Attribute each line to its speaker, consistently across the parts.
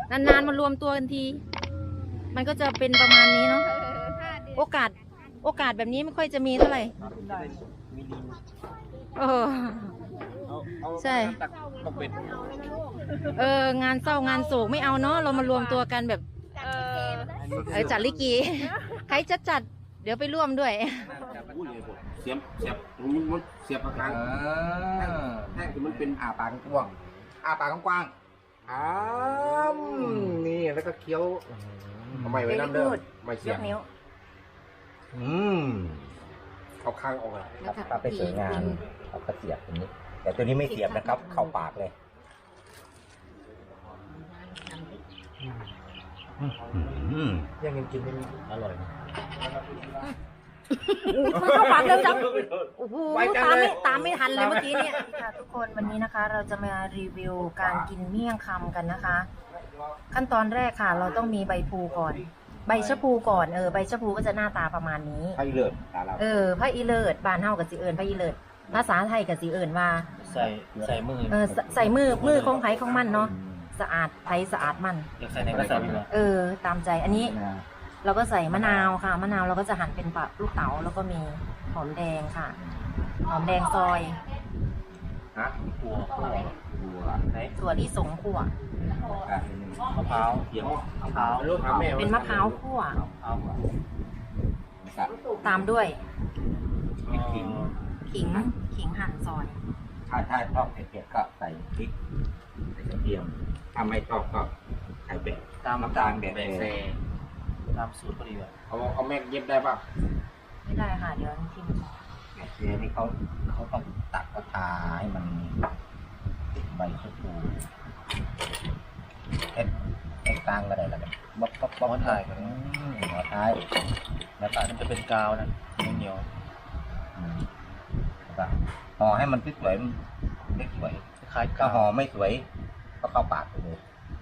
Speaker 1: นานๆมารวมตัวกันทีมันก็จะเป็นประมาณนี้เนาะโอกาสแบบนี้ไม่ค่อยจะมีเท่าไหร่เออใช่งานเศร้างานโศกไม่เอาเนาะเรามารวมตัวกันแบบจัดลิเกใครจะจัดเดี๋ยวไปร่วมด้วย
Speaker 2: เสียบมันเสียบปากกลางแท่งที่มันเป็นปากกว้างปากกว้างนี่แล้วก็เคี้ยวทำไมไว้น้ำเด้อไม่เสียบเอาข้างออกเลย
Speaker 3: ครับไปสวยงามเอากระเสียบตรงนี้แต่ตัวนี้ไม่เสียบนะครับเข้าปากเลย
Speaker 2: ยังกินไม่อร่อย
Speaker 1: มันเข้าปากเร็วจังโอ้โหตามไม่ทันเลยเมื่อกี้เนี่ยค่ะทุกคนวันนี้นะคะเราจะมารีวิวการกินเมี่ยงคำกันนะคะ ขั้นตอนแรกค่ะเราต้องมีใบพลูก่อนใบชะพูก่อนใบชะพูก็จะหน้าตาประมาณนี้
Speaker 2: ไผ่เลิศ
Speaker 1: ไผ่อีเลิศบ้านเฮากับสีเอิญไผ่อีเลิศภาษาไทยกับสีเอิญว่า
Speaker 4: ใส่มือ
Speaker 1: ใส่มือของไผ่ของมันเนาะสะอาดไผ่สะอาดมัน
Speaker 4: อยากใส่ในกระสอบดีกว่า
Speaker 1: ตามใจอันนี้เราก็ใส่มะนาวค่ะมะนาวเราก็จะหั่นเป็นปะลูกเต๋าแล้วก็มีหอมแดงค่ะหอมแดงซอยถั่วลิสงคั่ว
Speaker 4: มะพร้าวเขียวมะพร้าว
Speaker 1: เป็นมะพร้าวคั่วตามด้วยขิงหั่นซอย
Speaker 3: ถ้าชอบเผ็ดๆก็ใส่พริกใส่กระเทียมถ้าไม่ชอบก็ใส่เป็ด
Speaker 4: ตาม
Speaker 3: น้ำตาลแบบ
Speaker 4: เซตามสูตรพอดีว่ะ
Speaker 2: เอาแม่เย็บได้ป่ะ
Speaker 1: ไม่ได้ค่ะเดี๋ยวทิม
Speaker 3: แบบเซนี่เขาต้องตักกระทาให้มันติดใบชะพูแค่กลางก็ได้แล้วบ๊อบ
Speaker 4: ถ่ายกัน
Speaker 3: หัวท้าย
Speaker 4: แล้วก็มันจะเป็นกาวนะเหนียว
Speaker 3: ห่อให้มันสวยไม่สวย
Speaker 4: คล้าย
Speaker 3: ถ้าห่อไม่สวยก็เข้าปากไปเลย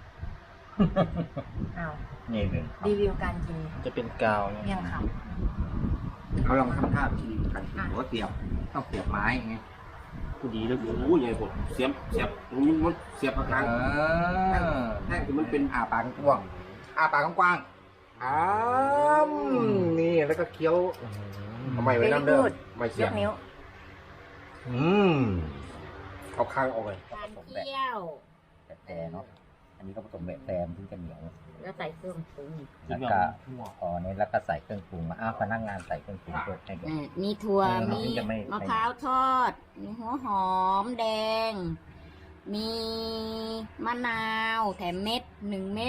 Speaker 3: นี่เลย
Speaker 1: รีวิวการกิน
Speaker 4: จะเป็นกาว
Speaker 1: เมี่ยงคำ
Speaker 3: เขาลองทำท่าทีกันหัวเสียบต้องเสียบไม้ไง
Speaker 2: กูดีแล้วกูใหญ่ผมเสียบมันเสียบปากกลางแท่งที่มันเป็น
Speaker 3: ปากกว้างปากกว้างนี่แล้วก็เคี้ยวทำไมไว้น้ำเด้อไม่เสียบ
Speaker 1: นิ้ว
Speaker 3: เอาข้างออกเลย
Speaker 1: การเคี่ยว
Speaker 3: แต่เนาะอันนี้ก็ผสมแบบแซมที่จะเหนียว
Speaker 1: แล้วใส่เครื่องปรุง
Speaker 3: แล้วก็นี่แล้วก็ใส่เครื่องปรุงมาพนักงานใส่เครื่องปรุงด้วยให้ด้วย
Speaker 1: มีถั่วมีมะพร้าวทอดมีหัวหอมแดงมีมะนาวแถมเม็ด1 เม็ด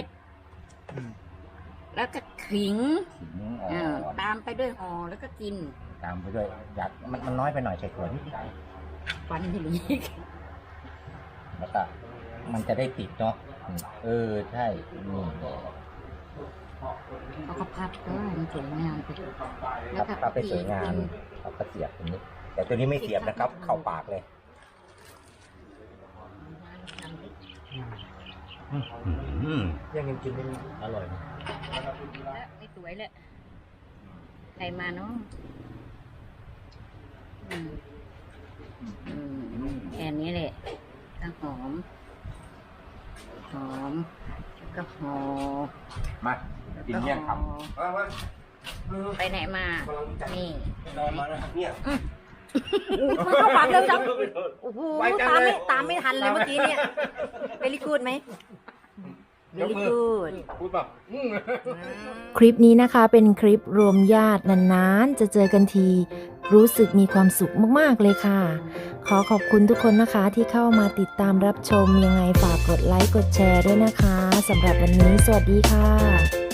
Speaker 1: แล้วก็ขิงตามไปด้วยห่อแล้วก็กิน
Speaker 3: ตามไปด้วยอยากมันน้อยไปหน่อยใส่ถั่วนิด
Speaker 1: ฟันทีนี้
Speaker 3: แล้วก็มันจะได้ติดเนาะใช่นี่
Speaker 1: เขาก็พับก็มันสวยงามไป
Speaker 3: แล้วก็ไปสวยงามเขาก็เสียบตรงนี้แต่ตัวนี้ไม่เสียบนะครับเข้าปากเลย
Speaker 4: ยังกินไม่อร่อย
Speaker 1: ไม่สวยเลยใครมาเนาะแค่นี้แหละก็หอมก็หอม
Speaker 2: มากินเมี่ยงคำ
Speaker 1: ไปไหนมานี่
Speaker 2: มาแล้วเนี่ย
Speaker 1: มันเข้าปากเร็วจังโอ้โหตามไม่ทันเลยเมื่อกี้เนี่ยเวลี่กูดไหมเวลี่กูดคลิปนี้นะคะเป็นคลิปรวมญาตินานๆจะเจอกันทีรู้สึกมีความสุขมากๆเลยค่ะขอขอบคุณทุกคนนะคะที่เข้ามาติดตามรับชมยังไงฝากกดไลค์กดแชร์ด้วยนะคะสำหรับวันนี้สวัสดีค่ะ